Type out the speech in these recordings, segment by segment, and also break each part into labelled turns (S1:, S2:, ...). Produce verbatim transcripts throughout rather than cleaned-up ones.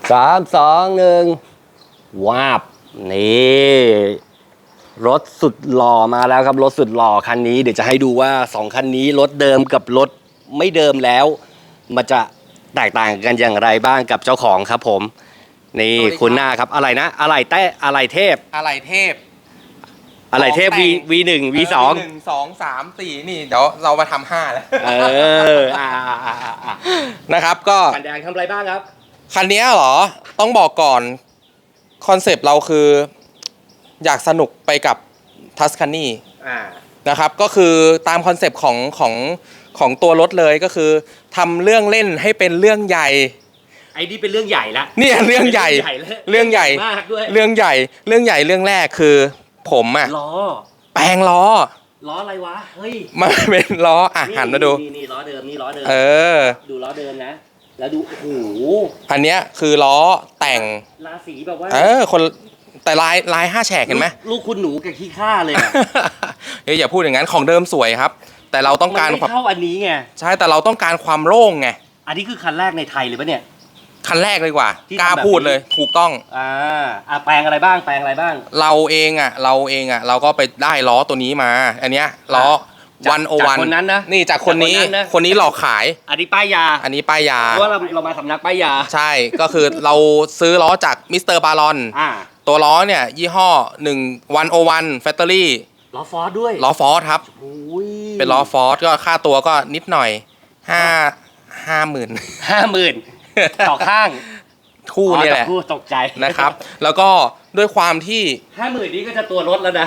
S1: สามสองหนึ่งวาบนี่รถสุดหล่อมาแล้วครับรถสุดหล่อคันนี้เดี๋ยวจะให้ดูว่าสองคันนี้รถเดิมกับรถไม่เดิมแล้วมันจะแตกต่างกันอย่างไรบ้างกับเจ้าของครับผมนี่คุณหน้าครับอะไรนะอะไรแต้อะไรเทพ
S2: อะไรเทพ
S1: อะไรเทพ V V หนึ่ง V สอง
S2: หนึ่งสองสามสี่นี่เดี๋ยวเรามาทำห้าแล้ว
S1: เอออ่าอ่าอ่าอ่า
S2: นะครับก็
S1: คันแดงทำอะไรบ้างครับ
S2: คันนี้เหรอต้องบอกก่อนคอนเซปต์เราคืออยากสนุกไปกับทัสคานี
S1: อ่า
S2: นะครับก็คือตามคอนเซปต์ของของของตัวรถเลยก็คือทำเรื่องเล่นให้เป็นเรื่องใหญ่
S1: ไอ้นี่เป็นเรื่องใหญ่ละ
S2: เนี่ยเรื่องใหญ่เรื่องใหญ่
S1: มากด้วย
S2: เรื่องใหญ่เรื่องใหญ่เรื่องแรกคือผมอะ
S1: ล้อ
S2: แปลงล้อ
S1: ล้ออะไรวะเฮ้ย
S2: มันเป็นล้ออ่ะหันมาดู
S1: นี่นี่ล้อเดิมนี่ล้อเดิม
S2: เออ
S1: ดูล้อเดิมนะ แล้วดูโอ้โห
S2: อันเนี้ยคือล้อแต่ง
S1: ราศีแบบว่า
S2: เออคนแต่ลายลายห้าแฉกเห็นไหม
S1: ลูกคุณหนูกับขี้ข้าเลยอะ
S2: เฮ้ยอย่าพูดอย่างนั้นของเดิมสวยครับ แต่เราต้องการ
S1: มันไม่เข้าอันนี้ไง
S2: ใช่แต่เราต้องการความโล่งไง
S1: อันนี้คือคันแรกในไทยเลยปะเนี่ย
S2: คันแรกเลยดีกว่า
S1: ที่
S2: กล้า
S1: ทำแบบ
S2: พูด
S1: นี้
S2: เลยถูกต้อง
S1: อ่าอ่ะแปลงอะไรบ้างแปลงอะไรบ้าง
S2: เราเองอ่ะเราเองอ่ะเราก็ไปได้ล้อตัวนี้มา อันเนี้ยล้อ
S1: จาก
S2: วันโอ
S1: จาก
S2: วัน
S1: คนนั้นนะ
S2: นี่จากคนนี้
S1: จากคนนั้นนะ
S2: คนนี้หลอกขาย
S1: อันนี้ป้ายยา
S2: อันนี้ป้ายยา
S1: เพราะว่าเราเรามาสำนักป้ายยา
S2: ใช่ก็คือเราซื้อล้อจากมิสเตอร์บารอน
S1: อ่า
S2: ตัวล้อเนี่ยยี่ห้อหนึ่งวันโอวันแฟคทอรี่
S1: ล้อฟอร์ดด้วย
S2: ล้อฟอร์ดครับ
S1: โอ้ย
S2: เป็นล้อฟอร์ดก็ค่าตัวก็นิดหน่อยห้าห้าหมื่น
S1: ห้าหมื่นต่อข้าง
S2: คู่นี่แหละ
S1: อ๋อต่อคู่ตกใจ
S2: นะครับ แล้วก็ด้วยความที่
S1: ห้าหมื่นนี่ก็จะตัวรถแล้วนะ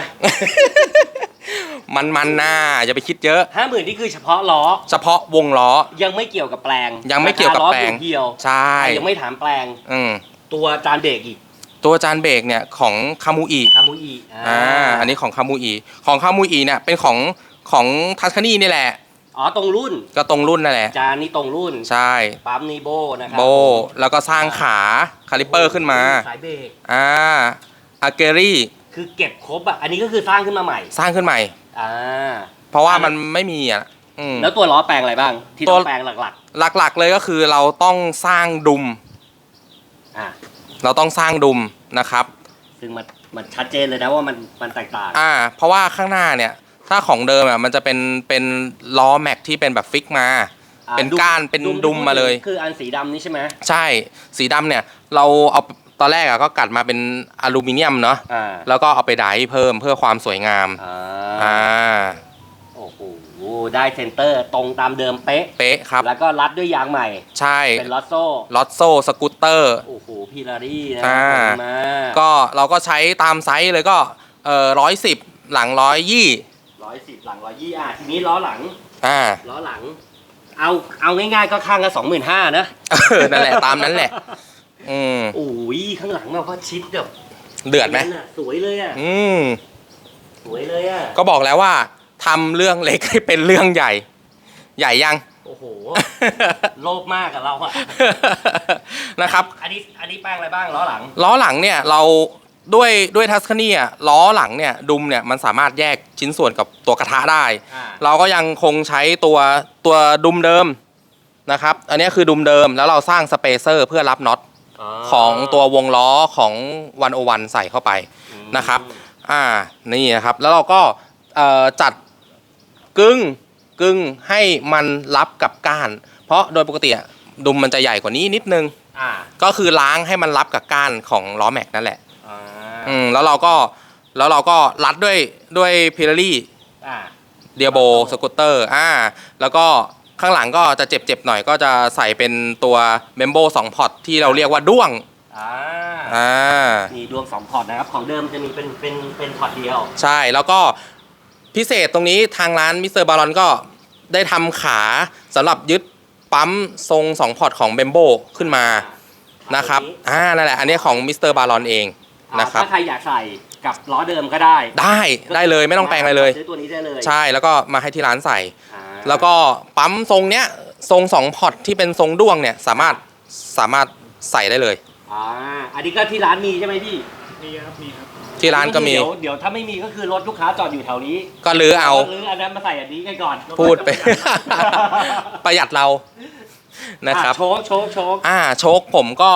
S2: มันมันหน้าอย่าไปคิดเยอะ
S1: ห้าหมื่นนี่คือเฉพาะล้อ
S2: เฉพาะวงล้อ
S1: ยังไม่เกี่ยวกับแปลง
S2: ยังไม่เกี่ยวกับแปลง
S1: ราคาล้อเพียวๆ
S2: ใช่
S1: อ่ะยังไม่ถามแปลง
S2: อืม
S1: ตัวจานเบรกอีก
S2: ตัวจานเบรกเนี่ยของคามูอี
S1: คามุอี
S2: อ่าอันนี้ของคามูอีของคามูอีเนี่ยเป็นของของทัสคานีนี่แหละ
S1: อ๋อตรงรุ่น
S2: ก็ตรงรุ่นนั่นแหละ
S1: จานนี่ตรงรุ่น
S2: ใช่
S1: ปั๊มนี่โบนะครั
S2: โบแล้วก็สร้างขาคาลิปเปอร์ขึ้นมา
S1: สายเบรก
S2: อ่าอาเกรี่
S1: คือเก็บครบอ่ะอันนี้ก็คือสร้างขึ้นมาใหม่
S2: สร้างขึ้นใหม่
S1: อ่า
S2: เพราะว่ามันไม่มีอ่ะอืม
S1: แล้วตัวล้อแปลงอะไรบ้าง ที่
S2: ตั
S1: ต้
S2: ว
S1: องแปลงหลัก
S2: หลักๆเลยก็คือเราต้องสร้างดุม
S1: ๆอ่า
S2: เราต้องสร้างดุมนะครับ
S1: ซึ่งมันมันชัดเจนเลยนะว่ามันมันแตกต่าง
S2: อ่าเพราะว่าข้างหน้าเนี่ยถ้าของเดิมอ่ะมันจะเป็นเป็นล้อแม็กที่เป็นแบบฟิกมา
S1: อ่า
S2: เป็นก้านเป็น
S1: ที่
S2: ดุมมาเลย
S1: คืออันสีดำนี่ใช่ไหม
S2: ใช่สีดำเนี่ยเราเอาตอนแรกอะก็กัดมาเป็นอลูมิเนียมเนาะ
S1: อ่า
S2: แล้วก็เอาไปไดร์เพิ่มเพื่อความสวยงาม
S1: อ่า
S2: อ่า
S1: โอ้โหได้เซนเตอร์ตรงตามเดิมเป๊ะ
S2: เป๊ะครับ
S1: แล้วก็รัดด้วยยางใหม่
S2: ใช่
S1: เป็นลอตโซ่
S2: ลอตโซ่สกูตเตอร์
S1: โอ้โหพีลารี่นะ
S2: อ่า
S1: มา
S2: ก็เราก็ใช้ตามไซส์เลยก็เอ่อร้อยสิบหลังร้อยยี่
S1: ร้อยสิบหลังร้อยยี่อ่ะทีนี้ล้อหลัง
S2: อ่า
S1: ล้อหลัง เอาเอาง่ายๆก็ข้างละสองหมื่นห้านะ
S2: เออนั่นแหละตามนั้นแหละ อืม
S1: โอ้ยข้างหลังแบบว่าชิดแบบ
S2: เดือดไหม
S1: นั่นน่ะสวยเลยอ่ะ
S2: อืม
S1: สวยเลยอ่ะ
S2: ก็บอกแล้วว่าทำเรื่องเล็กให้เป็นเรื่องใหญ่ ใหญ่ยัง
S1: โอ้โห โลภมากกับเราอ่ะ
S2: นะครับ
S1: อันนี้อันนี้แป้งอะไรบ้างล้อหลัง
S2: ล้อหลังเนี่ยเราด้วยด้วยทัสคานีอ่ะล้อหลังเนี่ยดุมเนี่ยมันสามารถแยกชิ้นส่วนกับตัวกระทะได้
S1: อ่า
S2: เราก็ยังคงใช้ตัวตัวดุมเดิมนะครับอันนี้คือดุมเดิมแล้วเราสร้างสเปเซอร์เพื่อรับน็อตของตัววงล้อของวันโอวันใส่เข้าไปนะครับอ่านี่นะครับแล้วเราก็เอ่อจัดกึ่งกึ่งให้มันรับกับก้าน เพราะโดยปกติอะดุมมันจะใหญ่กว่านี้นิดนึง
S1: อ่า
S2: ก็คือล้างให้มันรับกับก้านของล้อแม็กนั่นแหละ
S1: อ่า
S2: อืมแล้วเราก็แล้วเราก็รัดด้วยด้วยพิลารี่
S1: อ่า
S2: เดียโบสกูตเตอร์อ่าแล้วก็ข้างหลังก็จะเจ็บๆหน่อยก็จะใส่เป็นตัวเมมโบสองพอร์ตที่เราเรียกว่าด้วง
S1: อ่า
S2: อ่า
S1: มีดวงสองพอร์ตนะครับ ของเดิมจะมีเป็นเป็นเป็นพอร์ตเดียว
S2: ใช่แล้วก็พิเศษตรงนี้ทางร้านมิสเตอร์บารอนก็ได้ทำขาสำหรับยึดปั๊มทรงสองพอร์ตของเบมโบขึ้นมานะครับอ่านั่นแหละอันนี้ของมิสเตอร์บารอนเองนะครับ
S1: ถ้าใครอยากใส่กับล้อเดิมก็ได้
S2: ได้ได้เลยไม่ต้องแปลงอะไรเลย
S1: ซื้อตัวนี้ได้เลย
S2: ใช่แล้วก็มาให้ที่ร้านใส่
S1: อ่า
S2: แล้วก็ปั๊มทรงเนี้ยทรงสองพอร์ตที่เป็นทรงด้วงเนี่ยสามารถสามารถใส่ได้เลย
S1: อ่าอันนี้ก็ที่ร้านมีใช่ไหมพี่
S3: มีครับมีครับ
S2: ที่ร้านก็มี
S1: เดี๋ยวเดี๋ยวถ้าไม่มีก็คือรถลูกค้าจอดอยู่แถวนี้
S2: ก็ลื้อเอา
S1: ลื้ออันนั้นมาใส่อันนี้กันก่อน
S2: พูดไป ประหยัดเรานะครับ
S1: อ่โชคโชคโชค
S2: อ่าโชคผมก็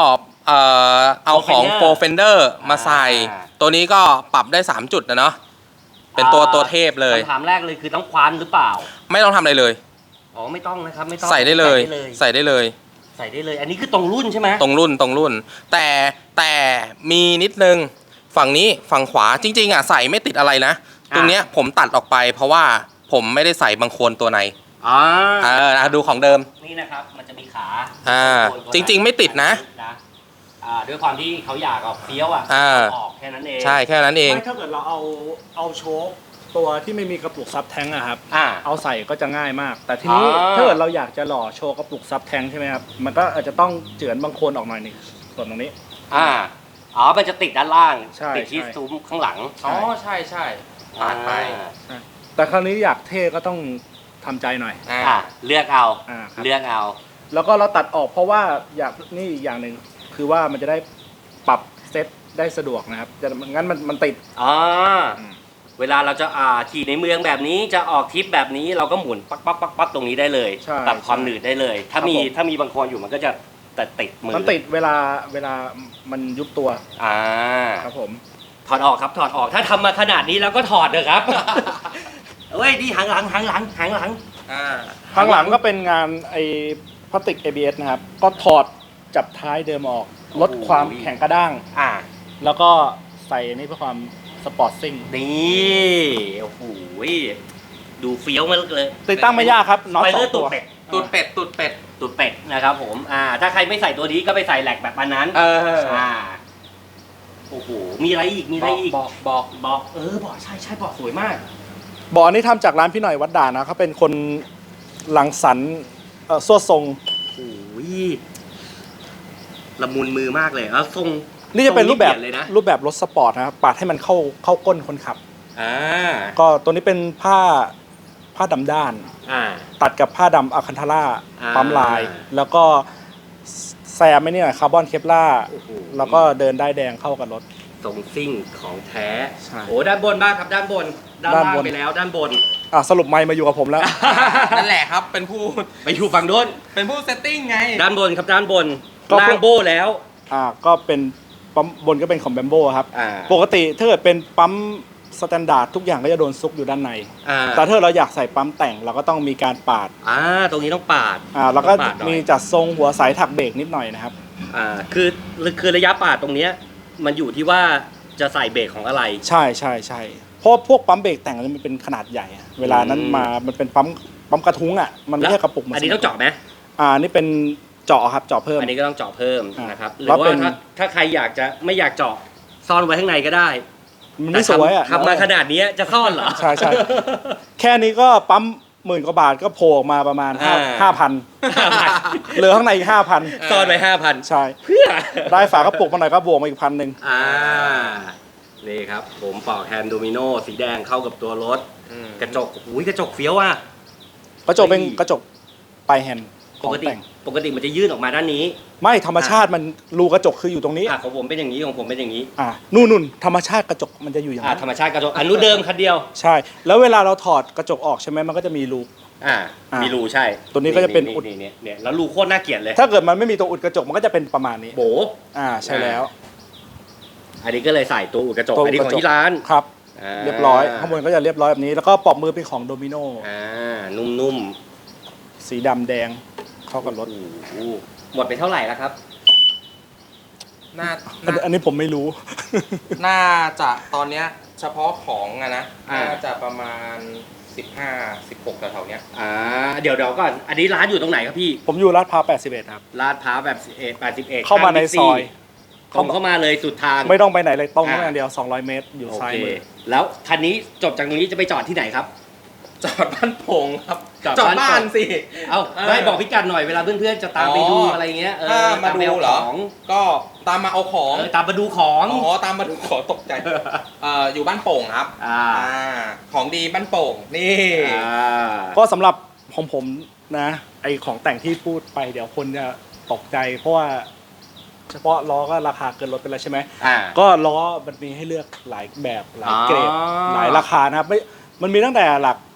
S2: เอ่อเอาของ
S1: Fender
S2: โฟร์เฟนเดอร์มาใส่
S1: อ่า
S2: ตัวนี้ก็ปรับได้สามจุดนะเนาะเป็นตัวตัวเทพเลย
S1: คำถามแรกเลยคือต้องคว้านหรือเปล่า
S2: ไม่ต้องทำอะไรเลย
S1: อ๋อไม่ต้องนะครับไม่ต้อง
S2: ใส่ได้เลย ใส่ได้เลย
S1: ใส่ได้เลย อันนี้คือตรงรุ่นใช่ไหม
S2: ตรงรุ่นตรงรุ่น แต่แต่มีนิดนึงฝั่งนี้ฝั่งขวาจริงๆอ่ะใส่ไม่ติดอะไรนะ ตรงเนี้ยผมตัดออกไป เพราะว่าผมไม่ได้ใส่บางโคนตัวใน
S1: อ่า
S2: เอออ่ะดูของเดิม
S1: นี่นะครับมันจะมีขา
S2: อ่า
S1: ตัวตัว
S2: จริงๆไม่ติดนะ
S1: อ่าด้วยความที่เขาอยากออกเฟี้ยวอ่ะ
S2: อ่า
S1: ออกแค่นั้นเอง
S2: ใช่แค่นั้นเอง
S3: ไม่ถ้าเกิดเราเอาเอาโชคตัวที่ไม่มีกระปุกซับแท้งอะครับ
S1: อ่า
S3: เอาใส่ก็จะง่ายมาก แต่ทีนี้
S1: อ่า
S3: ถ้าเกิดเราอยากจะหล่อโชว์กระปุกซับแท้งใช่ไหมครับมันก็อาจจะต้องเจือนบางโคนออกหน่อยหนึงส่วนตรงนี้
S1: อ่าอ๋อมันจะติดด้านล่าง
S3: ใช่
S1: ติดที่
S3: ใช่
S1: ซุ้มข้างหลัง
S2: อ๋อใช่ใช่ปาดไป
S1: อ่า
S3: แต่คราวนี้อยากเท่ก็ต้องทำใจหน่อย
S2: อ่า
S1: อ่าเลือกเอา
S3: อ่าครับ
S1: เลือกเอา
S3: แล้วก็เราตัดออกเพราะว่าอยากนี่อีกอย่างหนึ่งคือว่ามันจะได้ปรับเซตได้สะดวกนะครับจะงั้นมันมันติด
S1: อ่า
S3: อืม
S1: เวลาเราจะอ่าขี่ในเมืองแบบนี้จะออกทริปแบบนี้เราก็หมุนปั๊บปั๊บปั๊บปั๊บตรงนี้ได้เลย
S3: ใช่
S1: ตัดความหนืดได้เลย ถ้ามี
S3: ครับผม
S1: ถ้ามีบางคนอยู่มันก็จะแต่ติดมือ
S3: มันติดเวลาเวลามันยุบตัว
S1: อ่า
S3: ครับผม
S1: ถอดออกครับถอดออกถ้าทำมาขนาดนี้แล้วก็ถอดเถอะครับ เฮ้ยดีหางหลังหางหลังหางหลัง
S2: อ่า
S3: ข้างหลังก็เป็นงานไอ้พลาสติก เอ บี เอส นะครับ ก็ถอดจับท้ายเดิมออก ลดความแข็งกระด้าง
S1: อ่า
S3: แล้วก็ใส่นี่เพื่อความสปอร์ตซิ่ง
S1: นี่โอ้โหดูเฟี้ยวมากเลย
S3: ติดตั้งไม่ยากครับน็อต
S1: ไป
S3: สอ
S1: เลือง ด
S3: ตั
S1: ตุด
S3: ว
S1: เป็ด
S2: ตูดเป็ดตูดเป็ด
S1: ตุดเป็ดนะครับผมอ่าถ้าใครไม่ใส่ตัวนี้ก็ไปใส่แหลกแบบอันนั้น
S2: เออ
S1: อ่าโอ้โหมีอะไรอีกมีอะไรอีก
S2: บอกบอก
S1: บอกเออบอกใช่ใช่บอกสวยมาก
S3: บ่อนี้ทำจากร้านพี่หน่อยวัดด่านนะเขาเป็นคนหลังสรรค์เอ่อสวดทรง
S1: โอ้ยละมุนมือมากเลยแล้วทรง
S3: นี่จะเป็นรูปแบบ
S1: ทงเลยนะ
S3: รูปแบบรถสปอร์ตนะครับปาดให้มันเข้าเข้าก้นคนขับ
S1: อ่า
S3: ก็ตัวนี้เป็นผ้าผ้าดำด้าน
S1: อ่า
S3: ตัดกับผ้าดำอะคันทาร่า
S1: อ่า
S3: ปั๊มลาย แล้วก็แซมไม่เนี่ยคาร์บอนเคปล่า
S1: โอ้โห
S3: แล้วก็เดินได้ายแดงเข้ากับรถ
S1: ทรงซิ่งของแท้
S3: ใช่
S1: โอ้ด้านบนบ้างครับด้านบน ด้าน
S3: ด้าน
S1: ล่าง
S3: บน
S1: ไปแล้วด้านบน
S3: อ่ะสรุปไมค์มาอยู่กับผมแล้ว
S2: นั่นแหละครับเป็นผู้
S1: ไปอยู่ฝั่งโน้น
S2: เป็นผู้เซตติ้งไง
S1: ด้านบนครับด้านบน
S3: ก็
S1: ล่างโบแล้ว
S3: อ่าก็เป็นปั๊มบนก็เป็นของแบมโบครับ
S1: อ่า
S3: ปกติถ้าเกิดเป็นปั๊มสแตนดาร์ดทุกอย่างก็จะโดนซุกอยู่ด้านใน
S1: อ่า
S3: แต่ถ้าเราอยากใส่ปั๊มแต่งเราก็ต้องมีการปาด
S1: อ่าตรงนี้ต้องปาด
S3: อ่าแล้วก็
S1: ต้องปาดหน่อย
S3: มีจัดทรงหัวสายถักเบรกนิดหน่อยนะครับ
S1: อ่าคือคือระยะปาดตรงเนี้ยมันอยู่ที่ว่าจะใส่เบรกของอะไร
S3: ใช่ใช่ใช่เพราะพวกปั๊มเบรกแต่งมันเป็นขนาดใหญ่อะเวลานั้นมามันเป็นปั๊มปั๊มกระทุ้งอ่ะมันไม่ใช่กระปุกเหมือน
S1: อันนี้ต้องเจาะไหม
S3: อ่านี่เป็นเจาะครับเจาะเพิ่ม
S1: อันนี้ก็ต้องเจาะเพิ่ม
S3: อ่าน
S1: นะครับหรื
S3: แล้
S1: อ
S3: วเป็
S1: ว่าน ถ้าถ้าใครอยากจะไม่อยากเจาะซ่อนไว้ข้างในก็ได้
S3: มันไม่สวยอ่ะ
S1: ทำทำมาขนาดนี้จะซ่อนเหรอ
S3: ใช่ใช่ แค่นี้ก็ปั๊มหมื่นกว่าบาทก็โผล่ออกมาประมาณห้า
S1: อ่า
S3: ห้าพันเหลือข้างในอีกห้าพัน
S1: ซ่อนไว้ห้าพัน
S3: ใช่
S1: เพื่อ
S3: ได้ฝากระปุกมาหน่อยก็บวกมาอีกพันหนึ่ง
S1: อ่านี่ครับ ผมปอกแฮนด์โดมิโนสีแดงเข้ากับตัวรถ กระจกอุ้ยกระจกเฟี้ยวอ่ะ
S3: กระจกเป็น
S1: เฮ้ย
S3: กระจกปลายแฮนด์ข
S1: ป
S3: อง
S1: กติ
S3: แต่ง
S1: ปกติมันจะยื่นออกมาด้านนี้
S3: ไม่ธรรมชาติมันรูกระจกคืออยู่ตรงนี้
S1: อ่ะของผมเป็นอย่างนี้ของผมเป็นอย่างนี้
S3: อ่านู่นนู่นธรรมชาติกระจกมันจะอยู่อย่าง
S1: อ่ะ
S3: นั้น
S1: ธรรมชาติกระจกอันนู้นเดิมคันเดียว
S3: ใช่ แล้วเวลาเราถอดกระจกออกใช่ไหมมันก็จะมีรู
S1: อ่า
S3: อ่ามี
S1: มีรูใช่
S3: ตัวนี้ก็จะเป็นอุด
S1: นี่เนี่ยเนี่ยแล้วรูโคตรน่าเกลียดเลย
S3: ถ้าเกิดมันไม่มีตัวอุดกระจกมันก็จะเป็นประมาณนี้
S1: โบ
S3: อ่าใช่แล้ว
S1: อันนี้ก็เลยใส่ตัวอุดกระจก
S3: ตัวอุ
S1: อัน
S3: ด
S1: นี้
S3: ก
S1: ข
S3: ระ
S1: อง
S3: จก
S1: ที่ร้าน
S3: ครับ
S1: อ่า
S3: เรียบร้อยข้างบนก็จะเรียบร้อยแบบนี้แล้วก็ปลอกมือเป็นของโดมิโน
S1: อ่านุ่ม
S3: สีดำแดงเข้ากับรถ
S1: ๆโอ้โหหมดไปเท่าไหร่แล้วครับ
S2: น่า
S3: อัน
S2: น่า
S3: อันนี้ผมไม่รู้
S2: น่าจะตอนเนี้ยเฉพาะของอะนะ
S1: อ่า
S2: น่าจะประมาณสิบห้า สิบหกแถวๆเนี้ย
S1: อ่าเดี๋ยวเดี๋ยวก่อนอันนี้ร้านอยู่ตรงไหนครับพี่
S3: ผมอยู่ลาดพร้าวแปดสิบเอ็ดครับ
S1: ลาดพร้าวแบบแปดสิบเอ็ด
S3: เข้ามาในซอย
S1: ตรงเข้ามาเลยสุดทาง
S3: ไม่ต้องไปไหนเลยตรงเข้ามา
S1: อ่า
S3: อย่างเดียวสองร้อยเมตรอยู่
S1: โอ
S3: ซ้าย
S1: เค
S3: มือ
S1: แล้วคันนี้จบจากตรงนี้จะไปจอดที่ไหนครับ
S2: จอดบ้านโป่งครับ
S1: จอด
S2: จอด
S1: บ้าน
S2: บ้านสิ
S1: เอา
S2: เออ
S1: ไม่บอกพิกัดหน่อยเวลาเพื่อนๆจะตามไปดู
S2: อ๋ออ
S1: อะไรเงี้ยเออ
S2: ถ้ามา
S1: ตไป
S2: ดู
S1: เอ
S2: เหรอ
S1: ของ
S2: ก็ตามมาเอาของ
S1: เออตามมาดูของ
S2: อ๋อตามมาดูขอตกใจเอ่ออยู่บ้านโป่งครับ
S1: อ่า
S2: อ่าของดีบ้านโป่งนี่
S1: อ่า
S3: ก็สำหรับของผมนะ ไอของแต่งที่พูดไปเดี๋ยวคนจะตกใจ เพราะว่า เฉพาะล้อก็ราคาเกินรถไปแล้วใช่ไหม
S1: อ่า
S3: ก็ล้อมันมีให้เลือกหลายแบบหลายเกรด
S1: อ๋อ
S3: หลายราคานะครับไม่มันมีตั้งแต่หลัก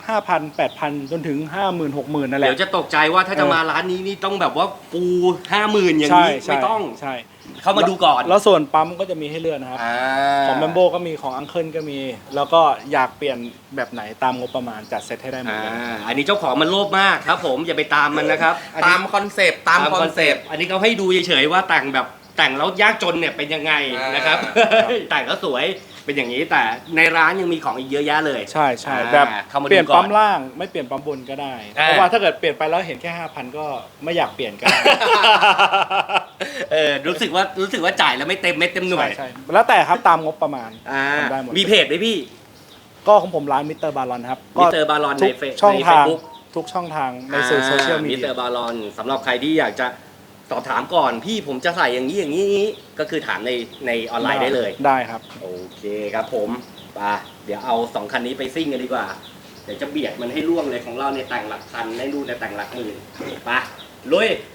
S3: ห้าพันแปดพันจนถึงห้าหมื่นหกหมื่นนั่นแหละ
S1: เดี๋ยวจะตกใจว่าถ้าจะมาร้านนี้นี่ต้องแบบว่าฟูห้าหมื่นอย่าง
S3: ใช่
S1: นี้
S3: ใช่
S1: ไม่ต้อง
S3: ใช่
S1: เข้ามาดูก่อน
S3: แล้วส่วนปั๊มก็จะมีให้เลือกนะครับ
S1: อ่า
S3: ของแบมโบก็มีของอังเคิลก็มี แล้วก็อยากเปลี่ยนแบบไหนตามงบประมาณจัดเซตให้ได้หมด
S1: อ่า
S3: เลย
S1: อันนี้เจ้าของมันโลภมากครับผมอย่าไปตามมันนะครับอันนี้
S2: ตามคอนเซปต์ตามคอนเซปต์
S1: อันนี้เขาให้ดูเฉยๆว่าแต่งแบบแต่งแล้วยากจนเนี่ยเป็นยังไง
S2: อ่าน
S1: นะครับ แต่งแล้วสวยเป็นอย่างนี้แต่ในร้านยังมีของอีกเยอะแยะเลย
S3: ใช่ใช่
S1: อ่า
S3: แบบ
S1: เข้ามาดู
S3: เปลี่ยน
S1: ก่อน
S3: ปั๊มล่างไม่เปลี่ยนปั๊มบนก็ได้
S1: อ่า
S3: เพราะว่าถ้าเกิดเปลี่ยนไปแล้วเห็นแค่ห้าพันก็ไม่อยากเปลี่ยนก็ได้
S1: เออรู้สึกว่ารู้สึกว่าจ่ายแล้วไม่เต็มเม็ดเต็มหน่วย
S3: ใช่ใช่แล้วแต่ครับตามงบประมาณ
S1: อ่า
S3: ทำได้หมด
S1: มีเพจไหมพี่
S3: ก็ของผมร้านมิสเตอร์บารอนครับ
S1: มิสเตอร์บารอน
S3: ทุ
S1: ใน
S3: ก
S1: เฟซ
S3: ช่อง
S1: ใน
S3: ทาง
S1: Facebook
S3: ทุกช่องทางในสื่อโซเชียลมี
S1: มิส
S3: เดี
S1: เตอย ร์บารอนสำหรับใครที่อยากจะสอบถามก่อนพี่ผมจะใส่อย่างนี้อย่างนี้ก็คือถามในในออนไลน์ได้เลย
S3: ได้ครับ
S1: โอเคครับผมไปเดี๋ยวเอาสองคันนี้ไปซิ่งกันดีกว่า เดี๋ยวจะเบียดมันให้ล่วงเลยของเราในแต่งหลักพันในรูในแต่งหลักหมื่นไปลุย